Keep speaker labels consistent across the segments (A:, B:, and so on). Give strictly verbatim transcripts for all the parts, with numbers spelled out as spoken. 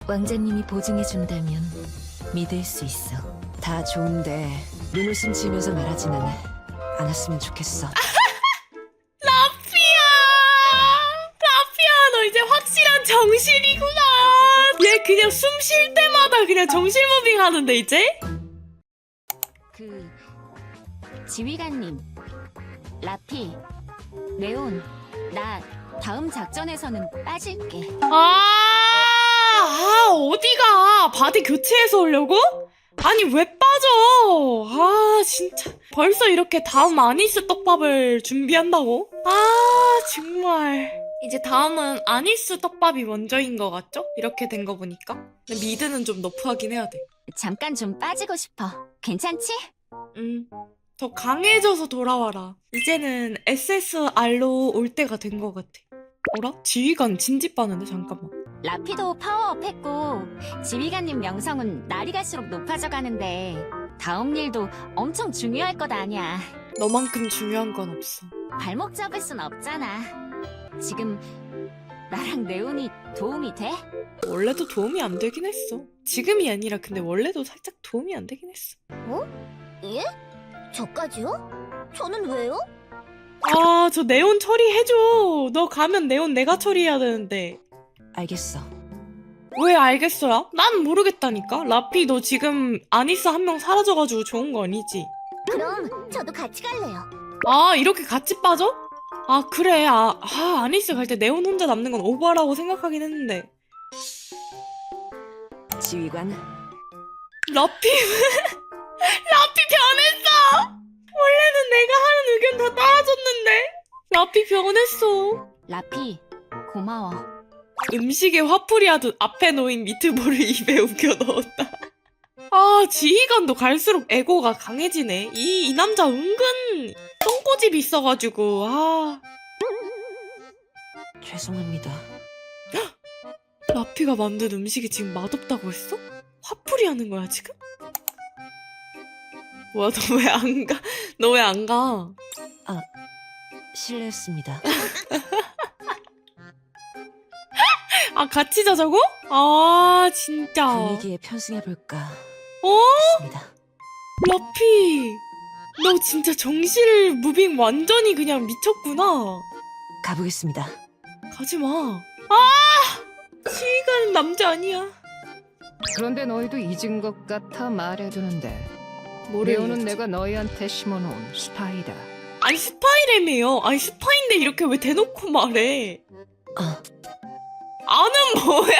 A: 왕자님이 보증해준다면 믿을 수 있어. 다 좋은데 눈웃음 지으면서 말하지는 않았으면 좋겠어.
B: 라피야! 라피야, 너 이제 확실한 정신이구나. 얘 그냥 숨 쉴 때마다 그냥 정신 무빙 하는데 이제?
C: 그 지휘관님, 라피, 레온, 나 다음 작전에서는 빠질게.
B: 아, 아 어디가? 바디 교체해서 오려고? 아니 왜 빠져? 아 진짜 벌써 이렇게 다음 아니스 떡밥을 준비한다고? 아 정말 이제 다음은 아니스 떡밥이 먼저인 것 같죠? 이렇게 된 거 보니까 근데 미드는 좀 너프하긴 해야 돼.
C: 잠깐 좀 빠지고 싶어. 괜찮지?
B: 음, 더 강해져서 돌아와라. 이제는 에스에스알로 올 때가 된 것 같아. 어라? 지휘관 진지 빠는데 잠깐만.
C: 라피도 파워업 했고 지휘관님 명성은 날이 갈수록 높아져 가는데 다음 일도 엄청 중요할 것 아니야.
B: 너만큼 중요한 건 없어.
C: 발목 잡을 순 없잖아. 지금 나랑 레온이 도움이 돼?
B: 원래도 도움이 안 되긴 했어. 지금이 아니라 근데 원래도 살짝 도움이 안 되긴 했어.
D: 예? 저까지요? 저는 왜요?
B: 아, 저 네온 처리해줘. 너 가면 네온 내가 처리해야 되는데.
A: 알겠어.
B: 왜 알겠어요? 난 모르겠다니까. 라피 너 지금 아니스 한 명 사라져가지고 좋은 거 아니지?
D: 그럼 저도 같이 갈래요.
B: 아, 이렇게 같이 빠져? 아, 그래. 아, 아 아니스 갈 때 네온 혼자 남는 건 오버라고 생각하긴 했는데.
A: 지휘관,
B: 라피 라피 변했어. 원래는 내가 하는 의견 다 따라줬는데 라피 변했어.
C: 라피, 고마워.
B: 음식에 화풀이 하듯 앞에 놓인 미트볼을 입에 우겨 넣었다. 아, 지휘관도 갈수록 에고가 강해지네. 이, 이 남자 은근 똥꼬집이 있어가지고. 아,
A: 죄송합니다.
B: 라피가 만든 음식이 지금 맛없다고 했어? 화풀이 하는 거야 지금? 뭐야, 너 왜 안 가? 너 왜 안 가?
A: 실례했습니다.
B: 아, 같이 자자고? 아, 진짜.
A: 분위기에 편승해볼까
B: 어?
A: 했습니다.
B: 라피, 너 진짜 정실 무빙 완전히 그냥 미쳤구나.
A: 가보겠습니다.
B: 가지마. 아! 지휘관은 남자 아니야.
E: 그런데 너희도 잊은 것 같아 말해두는데
B: 뭐래?
E: 레오는 내가 너희한테 심어놓은 스파이다.
B: 아니, 스파이래매요. 아니, 스파인데 이렇게 왜 대놓고 말해?
A: 아,
B: 아는 뭐야?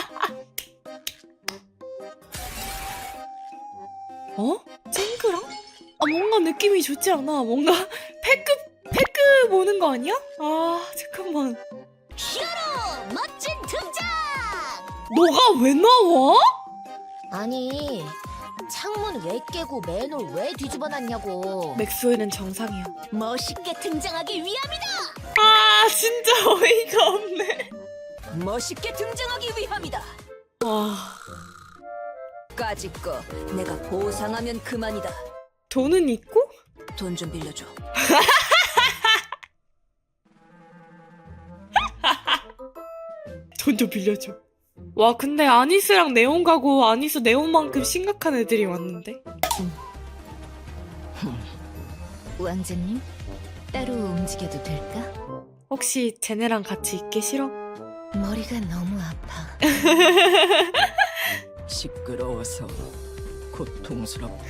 B: 어? 쨍그랑? 아, 뭔가 느낌이 좋지 않아. 뭔가 패급, 패급 보는 거 아니야? 아, 잠깐만.
D: 히어로 멋진 등장!
B: 너가 왜 나와?
D: 아니, 창문 왜 깨고 맨홀 왜 뒤집어놨냐고.
B: 맥스웰은 정상이야.
D: 멋있게 등장하기 위함이다!
B: 아, 진짜 어이가 없네.
D: 멋있게 등장하기 위함이다!
B: 와,
D: 까짓 거 내가 보상하면 그만이다.
B: 돈은 있고?
D: 돈 좀 빌려줘.
B: 돈 좀 빌려줘. 와, 근데 아니스랑 네온 가고 아니스 네온만큼 심각한 애들이 왔는데?
A: 왕자님, 따로 움직여도 될까?
B: 혹시 쟤네랑 같이 있기 싫어?
A: 머리가 너무 아파.
F: 시끄러워서 고통스럽다.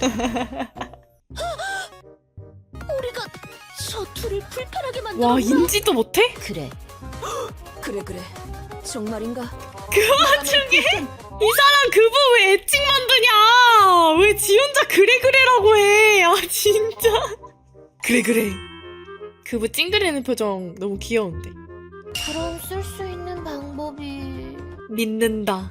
D: 우리가 저 둘을 불편하게 만들어.
B: 와, 인지도 못해?
D: 그래. 그래 그래. 정말인가?
B: 그 와중에 이 사람 그분 왜 애칭 만드냐? 왜 지 혼자 그래 그래라고 해? 아, 진짜. 그래 그래. 그분 찡그리는 표정 너무 귀여운데.
D: 그럼 쓸 수 있는 방법이.
B: 믿는다.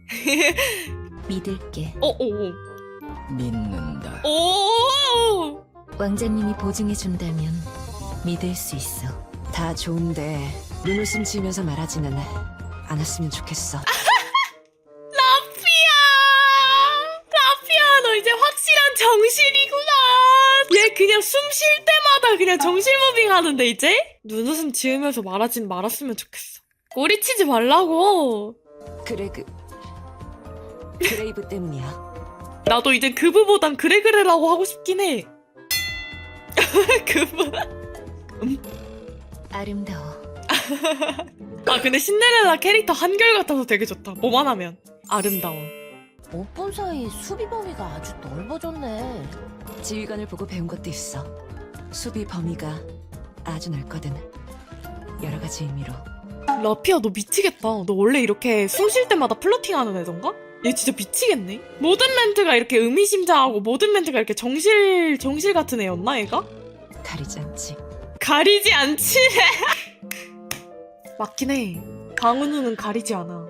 A: 믿을게.
B: 어, 오, 오.
F: 믿는다.
B: 오!
A: 왕자님이 보증해준다면 믿을 수 있어. 다 좋은데 눈웃음 지으면서 말하지는 않았으면 좋겠어.
B: 라피야! 라피야, 너 이제 확실한 정신이구나. 얘 그냥 숨 쉴 때마다 그냥 정신 무빙 하는데 이제? 눈웃음 지으면서 말하진 말았으면 좋겠어. 꼬리치지 말라고.
A: 그래, 그 그레이브 때문이야.
B: 나도 이제 그브보단 그래 그래라고 하고 싶긴 해. 그브.
A: 아름다워.
B: 아 근데 신데렐라 캐릭터 한결같아서 되게 좋다. 뭐만 하면 아름다워.
D: 못 본 사이 수비 범위가 아주 넓어졌네.
A: 지휘관을 보고 배운 것도 있어. 수비 범위가 아주 넓거든. 여러 가지 의미로.
B: 라피아 너 미치겠다. 너 원래 이렇게 숨 쉴 때마다 플러팅하는 애던가? 얘 진짜 미치겠네. 모든 멘트가 이렇게 의미심장하고 모든 멘트가 이렇게 정실 정실 같은 애였나 얘가?
A: 가리지 않지.
B: 가리지 않지. 맞긴 해. 강은우는 가리지 않아.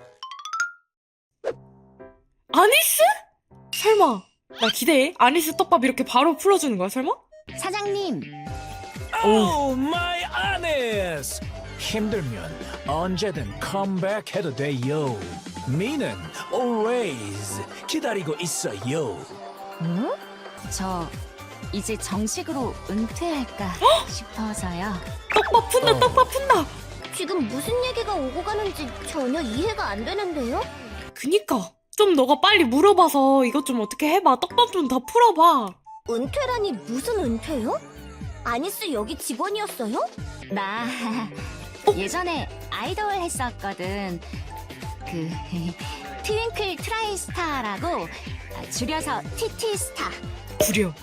B: 아니스? 설마 나 기대해. 아니스 떡밥 이렇게 바로 풀어주는 거야 설마?
C: 사장님,
G: 오 마이 아니스 힘들면 언제든 컴백해도 돼요 미는 always 기다리고 있어요
C: 응? 저 이제 정식으로 은퇴할까 싶어서요.
B: 떡밥 푼다
G: 어.
B: 떡밥 푼다.
D: 지금 무슨 얘기가 오고 가는지 전혀 이해가 안 되는데요?
B: 그니까 좀 너가 빨리 물어봐서 이것 좀 어떻게 해봐. 떡밥 좀 더 풀어봐.
D: 은퇴라니 무슨 은퇴요? 아니스 여기 직원이었어요?
C: 나 예전에 아이돌 했었거든. 그 트윙클 트라이스타라고 줄여서 티티스타.
B: 구려.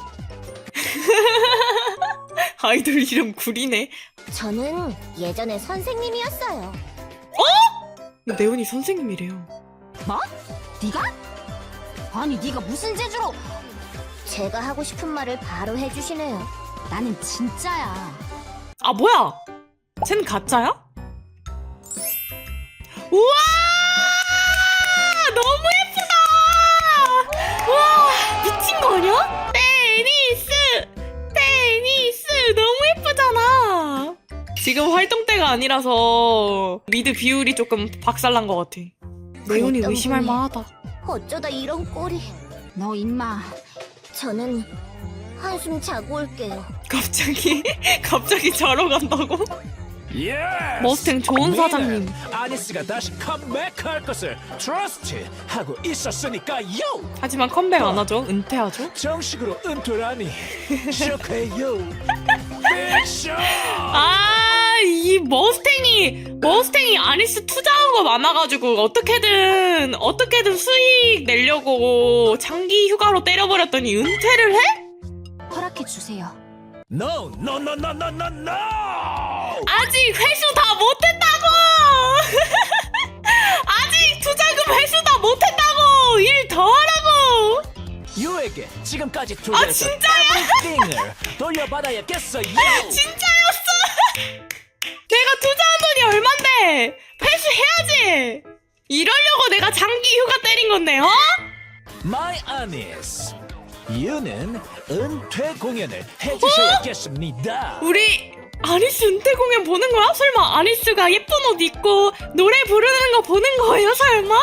B: 아이돌 이름 구리네.
D: 저는 예전에 선생님이었어요.
B: 네온이 선생님이래요.
C: 뭐? 네가? 아니 네가 무슨 재주로?
D: 제가 하고 싶은 말을 바로 해주시네요.
C: 나는 진짜야.
B: 아 뭐야? 쟨 가짜야? 우와! 너무 예쁘다! 우와! 미친 거 아니야? 테니스! 테니스! 너무 예쁘잖아! 지금 활동 때가 아니라서 미드 비율이 조금 박살난 것 같아. 네온이
D: 그랬던
B: 의심할
D: 분이.
B: 만하다.
D: 어쩌다 이런 꼴이.
C: 너 임마.
D: 저는 한숨 자고 올게요.
B: 갑자기 갑자기 자러 간다고?
G: 예스
B: 머스탱 좋은 사장님.
G: 아니스가 다시 컴백할 것을 트러스트 하고 있었으니까요
B: 하지만 컴백 안 하죠? 은퇴하죠?
G: 정식으로 은퇴라니 쇼크해요 빅쇼
B: 아, 이 머스탱이 머스탱이 아니스 투자한 거 많아가지고 어떻게든 어떻게든 수익 내려고 장기 휴가로 때려버렸더니 은퇴를 해?
C: 허락해 주세요.
G: No no no no no no no
B: 아직 회수 다 못했다고! 아직 투자금 회수 다 못했다고! 일 더 하라고!
G: 유에게 지금까지 투자했던
B: 아, 진짜야?
G: everything을 돌려받아야겠어요
B: 진짜였어! 내가 투자한 돈이 얼만데! 회수해야지! 이러려고 내가 장기 휴가 때린 건데, 어?
G: My Anis 유는 은퇴 공연을 해주셔야겠습니다
B: 우리 아니스 은퇴 공연 보는 거야? 설마 아니스가 예쁜 옷 입고 노래 부르는 거 보는 거예요? 설마?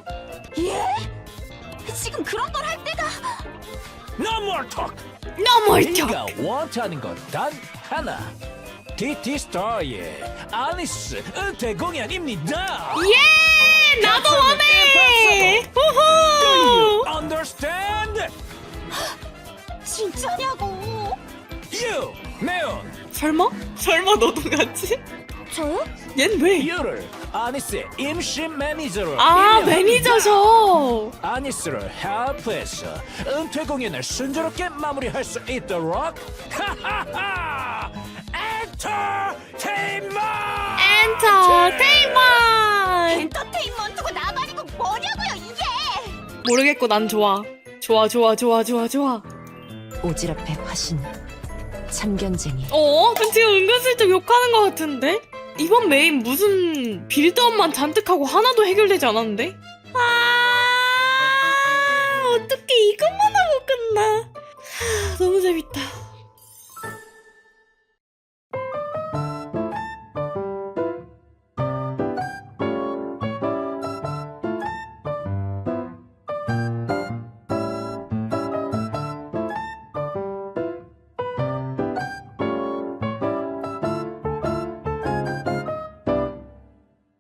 C: 지금 그런 걸 할 때가.
G: No more talk
B: 너무 옳죠.
G: 네가 원하는 건 단 하나 티티스타의 아니스 은퇴 공연입니다
B: 예! 나도 원해!
G: Do you
B: 우후!
G: understand?
C: 진짜냐고.
G: You, 네온
B: 설마? 설마 너도 같이?
D: 저요?
B: 얜 왜?
G: 유를 아니스의 임시 매니저로
B: 아,
G: 임명합니다.
B: 매니저셔!
G: 아니스를 헬프해서 은퇴 공연을 순조롭게 마무리할 수 있도록 하하하 엔터테인먼트
B: 엔터테인먼트!
C: 엔터테인먼트고 나발이고 뭐냐고요 이게.
B: 모르겠고 난 좋아. 좋아, 좋아, 좋아, 좋아, 좋아.
A: 오지랖의 화신. 참견쟁이.
B: 어? 지금 은근슬쩍 욕하는 것 같은데? 이번 메인 무슨 빌드업만 잔뜩 하고 하나도 해결되지 않았는데? 아, 어떻게 이것만 하고 끝나? 하, 너무 재밌다.